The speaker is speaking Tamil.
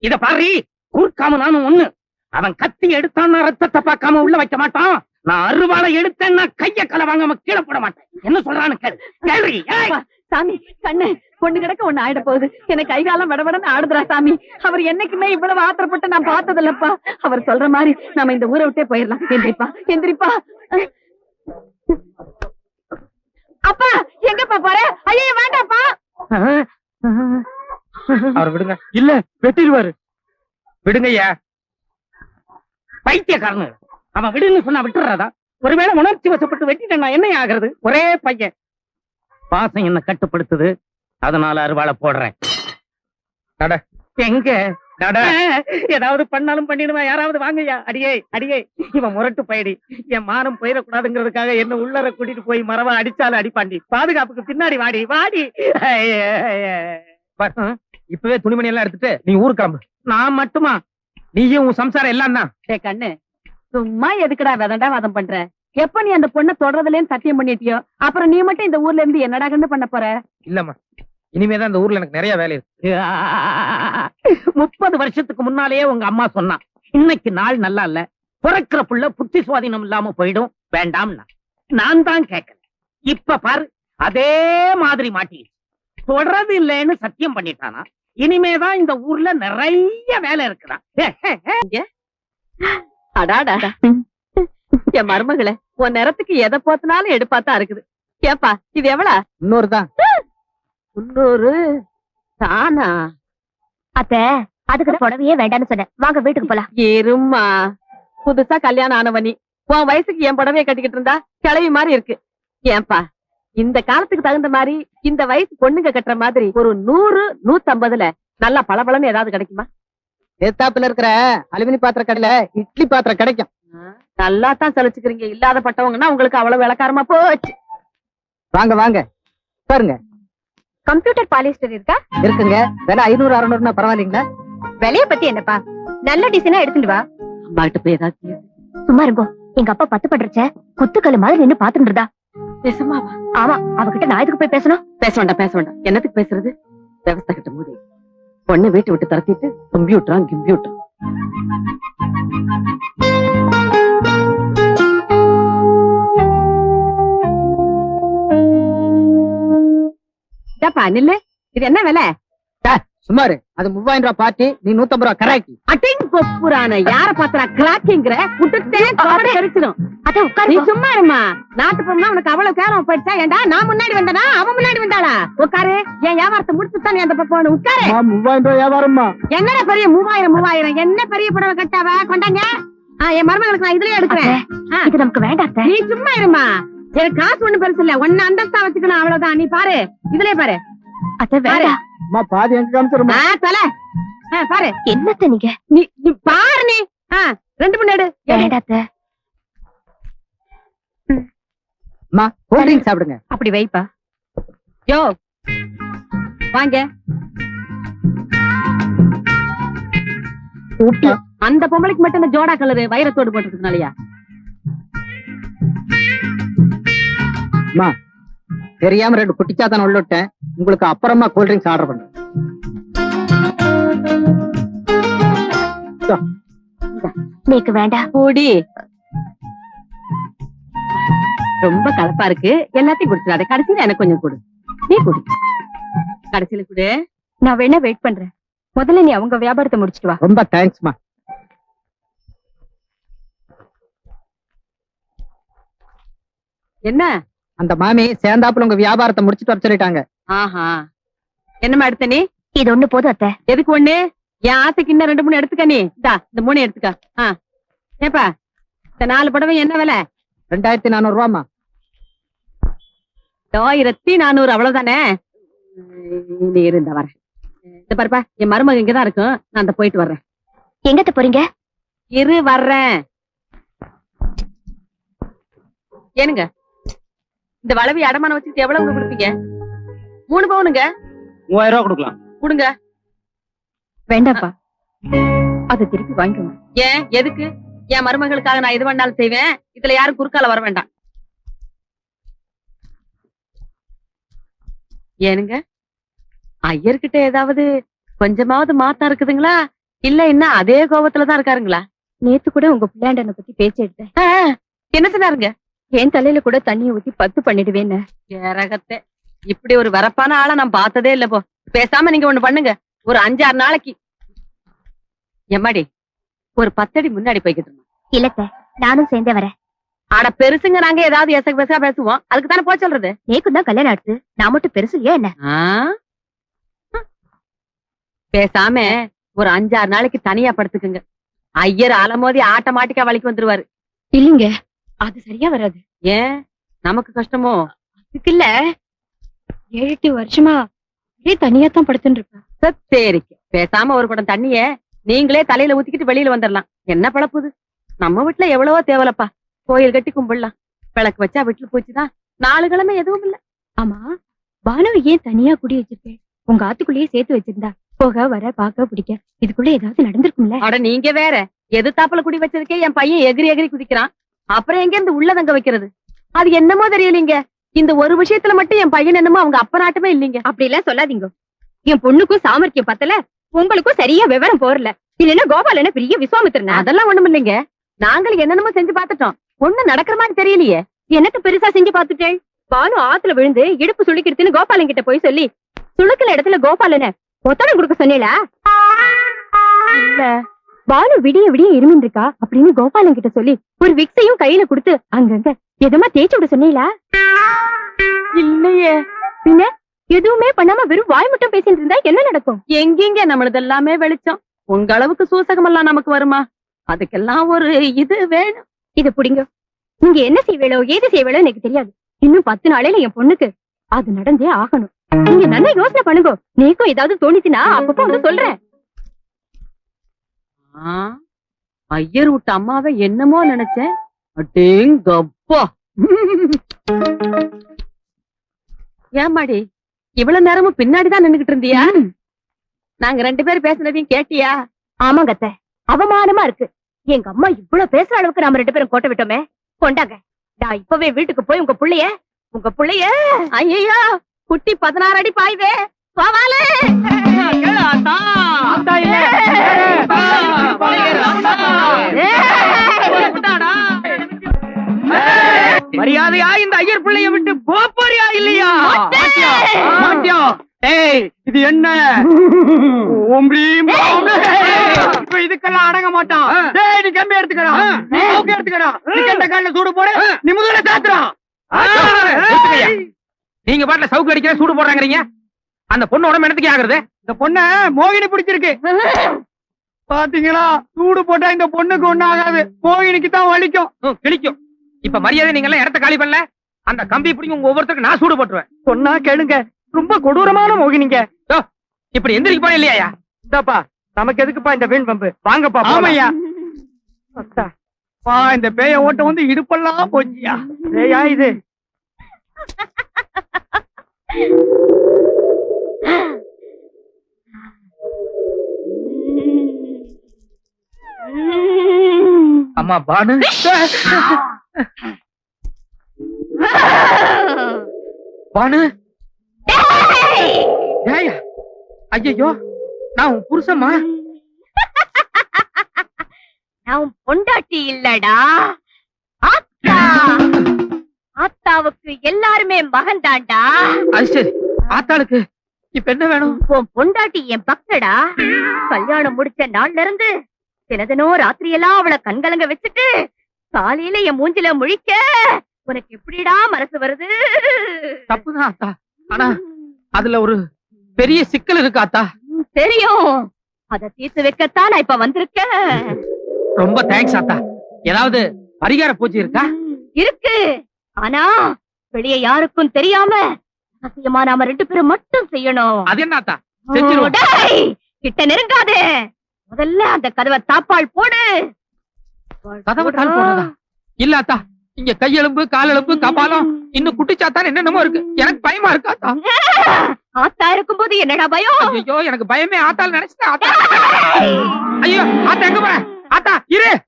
இத பாரு, கூர்க்காம நானும் ஒண்ணு. அவன் கத்தி எடுத்தான்னா ரத்தத்தை பார்க்காம உள்ள வைக்க மாட்டான். நான் அருவாளை எடுத்தேன்னா கைய கலை வாங்காம கீழே போட மாட்டேன். என்ன சொல்றான்னு கேளு. கேள்வி. சாமி கண்ணு பொண்ணு கிடக்க ஒண்ணு ஆயிட போகுது. எனக்கு கைகாலம் விடவிடன்னு ஆடுதுரா சாமி. அவர் என்னைக்குமே இவ்வளவு ஆத்திரப்பட்டு நான் பார்த்தது இல்லப்பா. அவர் சொல்ற மாதிரி நாம இந்த ஊரை விட்டே போயிடலாம். எந்திரிப்பா எந்திரிப்பா. அப்பா எங்கப்பா போற? ஐயோ வேண்டாப்பா. அவர் விடுங்க. இல்ல வெட்டிடுவாரு. விடுங்கய்யா. பைத்தியக்காரனு. அவன் விடுன்னு சொன்னா விட்டுறாதா? ஒருவேளை உணர்ச்சி வசப்பட்டு வெட்டிட்டா என்ன ஆகுறது? ஒரே பையன். பாசம் என்ன கட்டுப்படுத்துது. அதனால அருவாளை போடுறேன். எங்க ஏதாவது பண்ணாலும் பண்ணிடுவேன். யாராவது வாங்கய்யா. அடியே அடியே. இவன் முரட்டு பயடி. என் மானம் போயிடக்கூடாதுங்கிறதுக்காக என்ன உள்ளர கூட்டிட்டு போய் மரவா அடிச்சாலும் அடிப்பாண்டி. பாதுகாப்புக்கு பின்னாடி வாடி வாடி. இப்பவே துணிமணி எல்லாம் எடுத்துட்டு நீ ஊருக்கு கிளம்பு. நான் மட்டுமா? நீயும் உன் சம்சாரம் எல்லாம் தான். கண்ணு சும்மா எதுக்குடா விதண்டா வாதம் பண்ற? எப்ப நீ அந்த பொண்ணை தொடர்றதுலேன்னு சத்தியம் பண்ணிட்டியோ அப்புறம் நீ மட்டும் இந்த ஊர்ல இருந்து என்னடா கண்ணு பண்ண போற? இல்லம்மா, இனிமேதான் இந்த ஊர்ல எனக்கு நிறைய வேலை இருக்கு. 30 வருஷத்துக்கு முன்னாலேயே உங்க அம்மா சொன்னா, இன்னைக்கு நாள் நல்லா இல்ல, பிறக்கிற புள்ள புத்தி சுவாதீனம் இல்லாம போயிடும், வேண்டாம்னா. நான் தான் கேட்கல. இப்ப பாரு, அதே மாதிரி மாட்டி தொடர்றது இல்லைன்னு சத்தியம் பண்ணிட்டானா. இனிமேதான் இந்த ஊர்ல நிறைய வேலை இருக்குதான். அடாடா என் மருமகளே, உன் நேரத்துக்கு எதை போத்தினாலும் எடுப்பாத்தான் இருக்குது. கேப்பா இது எவ்வளா? 300 தான். 300 தானா? அத்தை, அதுக்கு புடவையே வேண்டாம்னு சொன்னேன். வாங்க வீட்டுக்கு போலாம். இரும்மா, புதுசா கல்யாணம் ஆனவனி உன் வயசுக்கு என் புடவைய கட்டிக்கிட்டு இருந்தா கிளவி மாதிரி இருக்கு. ஏன்பா இந்த காலத்துக்கு தகுந்த மாதிரி இந்த வயசு பொண்ணுங்க கட்டுற மாதிரி ஒரு 100, 150ல நல்லா பளபளன்னு ஏதாவது கிடைக்குமா? ஏத்தாப்புல இருக்கிற அலுமினி பாத்திர கடையில இட்லி பாத்திரம் கிடைக்கும். நல்லா தான் சலிச்சுக்கிறீங்க. இல்லாத பட்டவங்கன்னா உங்களுக்கு அவ்வளவு விளக்காரமா போச்சு. வாங்க வாங்க பாருங்க. கம்ப்யூட்டர் பாலிஸ்டர் இருக்கா? இருக்குங்க. விலை 500, 600 பரவாயில்லைங்களா? விலைய பத்தி என்னப்பா, நல்ல டிசைனா எடுத்துட்டு வா. அம்மா கிட்ட போய் ஏதாவது சும்மா இருக்கும். எங்க அப்பா 10 பண்றச்ச குத்துக்கல்லு மாதிரி நின்னு பாத்துட்டு இருந்தா. பேசுமாவா? ஆமா, அவகிட்ட நான் எதுக்கு போய் பேசணும்? பேச வேண்டாம் பேச வேண்டாம். என்னத்துக்கு பேசுறது? விவசாய கிட்ட மூடி பொண்ணு வீட்டை விட்டு தரத்திட்டு கம்ப்யூட்டர் கம்ப்யூட்டர். நில்லு, இது என்ன விலை? சுமாரு அது 3000 ரூபாய் பார்ட்டி, நீ 150 ரூபாய் கரெக்ட். அட்டிங் கொப்புரான யார பாத்திரா கிராக்கிங்கிற விட்டுட்டே தெரிச்சிடும். அத உட்காரு. நீ சும்மா இருமா. நாட்டு பொண்ணா உனக்கு அவ்வளவு கேரம் போயிடுச்சா? ஏண்டா நான் முன்னாடி வந்தனா அவன் முன்னாடி வந்தாளா? உட்காரு. என் வியாபாரத்தை முடிச்சுதான் நீ அந்த பக்கம் உட்காரு. 3000 ரூபாய் வியாபாரம்மா. என்னடா பெரிய 3000 என்ன பெரிய புடவை கட்டாவ கொண்டாங்க. என் மருமகளுக்கு நான் இதுலயே எடுக்கிறேன். இது நமக்கு வேண்டாம். நீ சும்மா இருமா. எனக்கு காசு ஒண்ணு பெருசு இல்ல, ஒன்னு அந்தஸ்தா வச்சுக்கணும் அவ்வளவுதான். நீ பாரு, இதுலயே பாரு. அத வேற பாதி எங்க காமிச்சிருமா? பாரு. என்னத்த நீங்க? நீ பாரு. நீ 2 மணி எடு. வேண்டாத்த. கூல் ட்ரிங்க் சாப்பிடுங்க. அப்படி வைப்பா. யோ வாங்க. அந்த பொம்பளைக்கு மட்டும் இந்த ஜோடா கலரு வைரத்தோடு போட்டுருக்கனாலயா? தெரியாம 2 குட்டிச்சாத்தான் உள்ள விட்டேன். உங்களுக்கு அப்புறமா கூல் ட்ரிங்க்ஸ் ஆர்டர் பண்றேன். நீக்கு வேண்டாம். கூடி ரொம்ப கலப்பா இருக்கு. எல்லாத்தையும் குடிச்சிடாத. கடைசியில எனக்கு கொஞ்சம் கொடு. நீ குடி. கடைசியில குடு. நான் வேணா வெயிட் பண்றேன். முதல்ல நீ அவங்க வியாபாரத்தை முடிச்சிட்டு வா. ரொம்ப தேங்க்ஸ்மா. என்ன அந்த மாமி சேர்ந்தாப்புல உங்க வியாபாரத்தை முடிச்சிட்டு வர சொல்லிட்டாங்க. ஆஹா, என்னமா எடுத்த நீ? இது ஒண்ணு போதும் அத்தை. எதுக்கு ஒண்ணு? என் ஆசைக்கு இன்னும் 2, 3 எடுத்துக்க. நீ இந்த 3 எடுத்துக்க. ஏப்பா இந்த 4 புடவை என்ன விலை? 2400 ரூபாமா. 1400 அவ்வளவுதானே? நீ இருந்த வர. இந்த பாருப்பா, என் மருமக இங்கதான் இருக்கும். நான் அந்த போயிட்டு வர்றேன். எங்கத்த போறீங்க? இரு வர்றேன். ஏனுங்க இந்த வளவி அடமானம் வச்சுட்டு எவ்வளவு கொடுப்பீங்க? 3 பவுனுங்க. 3000 ரூபாய் கொடுக்கலாம். கொடுங்க. வேண்டாப்பா, அதை திருப்பி வாங்கிக்கோங்க. ஏன் எதுக்கு? என் மருமகளுக்காக நான் எது வேணாலும் செய்வேன். இதுல யாரும் குறுக்கால வர வேண்டாம். ஏனுங்க ஐயர்கிட்ட ஏதாவது கொஞ்சமாவது மாத்தா இருக்குதுங்களா? இல்ல என்ன அதே கோபத்துலதான் இருக்காருங்களா? நேத்து கூட உங்க பிள்ளையாண்டனை பத்தி பேச்சு எடுத்தேன். என்ன சொன்னாருங்க? என் தலையில கூட தண்ணியை ஊத்தி 10 பண்ணிடுவேன்னு. ஏரகத்தை, இப்படி ஒரு வரப்பான ஆளை நான் பார்த்ததே இல்ல. போ, பேசாம நீங்க ஒண்ணு பண்ணுங்க. ஒரு 5-6 நாளைக்கு எம்மாடி ஒரு 10 அடி முன்னாடி போய்கிட்டு இருந்தோம். இல்லத்த, நானும் சேர்ந்தே வரேன். ஆட பெருசுங்க, நாங்க ஏதாவது எசக்கு பெருசா பேசுவோம். அதுக்கு தானே போய் சொல்றது. நேக்கும் தான் கல்யாணம் ஆடுது, நான் மட்டும் பெருசு இல்லையா என்ன? பேசாம ஒரு 5-6 நாளைக்கு தனியா படுத்துக்குங்க. ஐயர் அலமோதி ஆட்டோமேட்டிக்கா வலிக்கு வந்துருவாரு. இல்லீங்க, அது சரியா வராது. ஏன் நமக்கு கஷ்டமோ? அதுக்கு இல்ல, 7-8 வருஷமா ஒரே தனியா தான் படுத்துட்டு இருப்பேன். சரிக்கு பேசாம ஒரு குடம் தண்ணிய நீங்களே தலையில ஊத்திக்கிட்டு வெளியில வந்துடலாம். என்ன பழப்புது? நம்ம வீட்டுல எவ்வளவோ தேவலப்பா. கோயில் கட்டி கும்பிடலாம், விளக்கு வச்சா வீட்டுல போச்சுதான். 4 கிழமை எதுவும் இல்ல. ஆமா, பானுவை ஏன் தனியா குடி வச்சிருக்கேன்? உங்க ஆத்துக்குள்ளேயே சேர்த்து வச்சிருந்தா போக வர பாக்க பிடிக்க இதுக்குள்ள ஏதாவது நடந்திருக்கும்ல? அட நீங்க வேற, எது தாப்புல குடி வச்சதுக்கே என் பையன் எகிரி எகிரி குதிக்கிறான். அப்புறம் எங்க இருந்து உள்ள தங்க வைக்கிறது? அது என்னமோ தெரியலீங்க. இந்த ஒரு விஷயத்துல மட்டும் என் பையன் என்னமோ அவங்க அப்ப நாட்டமே இல்லீங்க. அப்படி எல்லாம் சொல்லாதீங்க. என் பொண்ணுக்கும் சாமர்த்தியம் பத்தல, உங்களுக்கும் சரியா விவரம் போறல. இல்லன்னா கோபாலன பெரிய விஸ்வாமித்திரனா? அதெல்லாம் ஒண்ணும் இல்லைங்க. நாங்களும் என்னென்னமோ செஞ்சு பாத்துட்டோம், ஒண்ணு நடக்கிற மாதிரி தெரியலையே. எனக்கு பெருசா செஞ்சு பாத்துட்டேன். பானு ஆத்துல விழுந்து இடுப்பு சுளுக்கிடுதுன்னு கோபாலன் கிட்ட போய் சொல்லி சுளுக்கிற இடத்துல கோபாலன ஒத்தடம் கொடுக்க சொன்னீங்களா? இல்ல, பானு விடிய விடிய இருமின் இருக்கா அப்படின்னு கோபாலன் கிட்ட சொல்லி ஒரு விக்ஸையும் கையில கொடுத்து அங்கங்க எதமா தேய்ச்சி விட சொன்னீங்களா? இல்லையே. பின்ன எதுவுமே பண்ணாம வெறும் வாய் மட்டும் பேசிட்டு இருந்தா என்ன நடக்கும்? எங்கெங்க நம்மளது எல்லாமே வெளிச்சம். உங்க அளவுக்கு சூசகம் எல்லாம் நமக்கு வருமா? அதுக்கெல்லாம் ஒரு இது வேணும். இத புடிங்க. நீங்க என்ன செய்வேளோ ஏது செய்வேளோ எனக்கு தெரியாது. இன்னும் 10 நாளையில என் பொண்ணுக்கு அது நடந்தே ஆகணும். நீங்க நல்லா யோசனை பண்ணுங்க. நீக்கும் ஏதாவது தோணிச்சுன்னா அப்பப்போ வந்து சொல்றேன். ஐயர் விட்ட அம்மாவை என்னமோ நினைச்சேன். அடேங்கப்பா. ஏமாடி இவ்வளவு நேரமும் பின்னாடிதான் நின்னுகிட்டு இருந்தியா? நாங்க 2 பேரும் பேசுனதையும் கேட்டியா? ஆமாங்க அத்தை, அவமானமா இருக்கு. எங்க அம்மா இவ்வளவு பேசுற அளவுக்கு நாம 2 பேரும் கோட்டை விட்டோமே. கொண்டாங்க, நான் இப்பவே வீட்டுக்கு போய் உங்க புள்ளைய ஐயோ குட்டி 16 அடி பாய்வே போவாலே. மரியாதையா இந்த ஐயர் பிள்ளைய விட்டு போறியா இல்லையா? இது என்ன? இதுக்கெல்லாம் அடங்க மாட்டான். நீ கம்பி எடுத்துக்கிறான், சூடு போட நீ முதல்ல சாத்துறான். நீங்க பாட்டுல சவுக்கு அடிக்கிற சூடு போடுறாங்கறீங்க. அந்த பொண்ணு உடம்பு என்னத்துக்கு ஆகுறது? இந்த பொண்ண மோகினி பிடிச்சிருக்கு பாத்தீங்களா? சூடு போட்டா இந்த பொண்ணுக்கு ஒண்ணு ஆகாது, மோகினிக்கு தான் வலிக்கும், கிழிக்கும். இப்ப மரியாதை நீங்க எல்லாம் இடத்த காலி பண்ணல, அந்த கம்பி பிடிக்கும் உங்க ஒவ்வொருத்தருக்கு நான் சூடு போட்டுருவேன். சொன்னா கேளுங்க, ரொம்ப கொடூரமான மோகினிங்க. இப்படி எந்திரிக்க போன இல்லையா? இந்தாப்பா, நமக்கு எதுக்குப்பா இந்த வீண் பம்பு? வாங்கப்பா. ஆமையா இந்த பேய ஓட்ட வந்து இடுப்பெல்லாம் போச்சியா? பேயா இது? அம்மா பானு, பானு, ஐயோ நான் உன் புருஷமா? நான் உன் பொண்டாட்டி இல்லடா, ஆத்தா. ஆத்தாவுக்கு எல்லாருமே மகன் தாண்டா. அது சரி, ஆத்தாளுக்கு இப்ப என்ன வேணும்? உன் பொண்டாட்டி என் பக்தடா. கல்யாணம் முடிச்ச நாள்ல இருந்து தினதினம் ராத்திரியெல்லாம் அவளை கண்கலங்க வச்சுட்டு காலையில என் மூஞ்சில முழிக்க உனக்கு எப்படிடா மனசு வருது? தப்புதான் ஆத்தா, ஆனா அதுல ஒரு பெரிய சிக்கல் இருக்கு ஆத்தா. தெரியும், அத தீர்த்து வைக்கத்தான் நான் இப்ப வந்திருக்கேன். ரொம்ப தேங்க்ஸ் ஆத்தா. ஏதாவது பரிகார பூஜை இருக்கா? இருக்கு, ஆனா வெளியே யாருக்கும் தெரியாம சத்தியமா நாம 2 பேரும் மட்டும் செய்யணும். அது என்ன ஆத்தா? செஞ்சிருவோம். கிட்ட நெருங்காதே. முதல்ல அந்த கதவை தாப்பால் போடு. கதவை தாள் போடுறதா? இல்ல ஆத்தா, இங்க கையெலும்பு காலெலும்பு கபாலம் இன்னும் குட்டிச்சாத்தான் என்னென்னமோ இருக்கு. எனக்கு பயமா இருக்கு ஆத்தா. ஆத்தா இருக்கும்போது என்னடா பயம்? ஐயோ எனக்கு பயமே ஆத்தால் நினைச்சிட்டேன் ஆத்தா. ஐயோ ஆத்தா எங்க போற? ஆத்தா இரு.